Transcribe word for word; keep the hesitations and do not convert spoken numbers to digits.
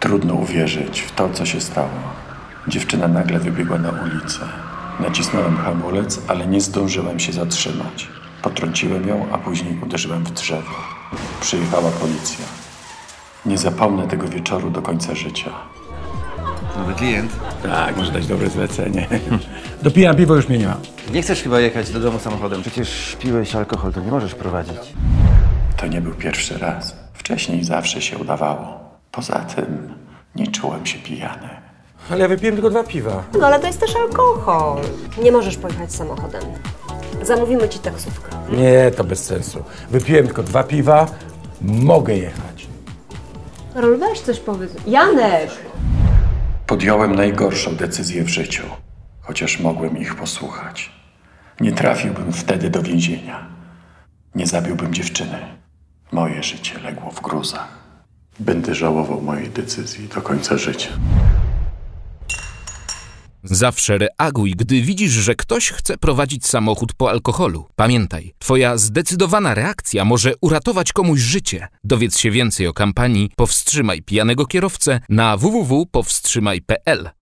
Trudno uwierzyć w to, co się stało. Dziewczyna nagle wybiegła na ulicę. Nacisnąłem hamulec, ale nie zdążyłem się zatrzymać. Potrąciłem ją, a później uderzyłem w drzewo. Przyjechała policja. Nie zapomnę tego wieczoru do końca życia. Nowy klient? Tak, może dać dobre zlecenie. Dopijam piwo, już mnie nie ma. Nie chcesz chyba jechać do domu samochodem? Przecież piłeś alkohol, to nie możesz prowadzić. To nie był pierwszy raz. Wcześniej zawsze się udawało. Poza tym nie czułem się pijany. Ale ja wypiłem tylko dwa piwa. No ale to jest też alkohol. Nie możesz pojechać samochodem. Zamówimy ci taksówkę. Nie, to bez sensu. Wypiłem tylko dwa piwa, mogę jechać. Karol, weź coś powiedz. Janek! Podjąłem najgorszą decyzję w życiu, chociaż mogłem ich posłuchać. Nie trafiłbym wtedy do więzienia. Nie zabiłbym dziewczyny. Moje życie legło w gruzach. Będę żałował mojej decyzji do końca życia. Zawsze reaguj, gdy widzisz, że ktoś chce prowadzić samochód po alkoholu. Pamiętaj, twoja zdecydowana reakcja może uratować komuś życie. Dowiedz się więcej o kampanii Powstrzymaj pijanego kierowcę na w w w kropka powstrzymaj kropka p l.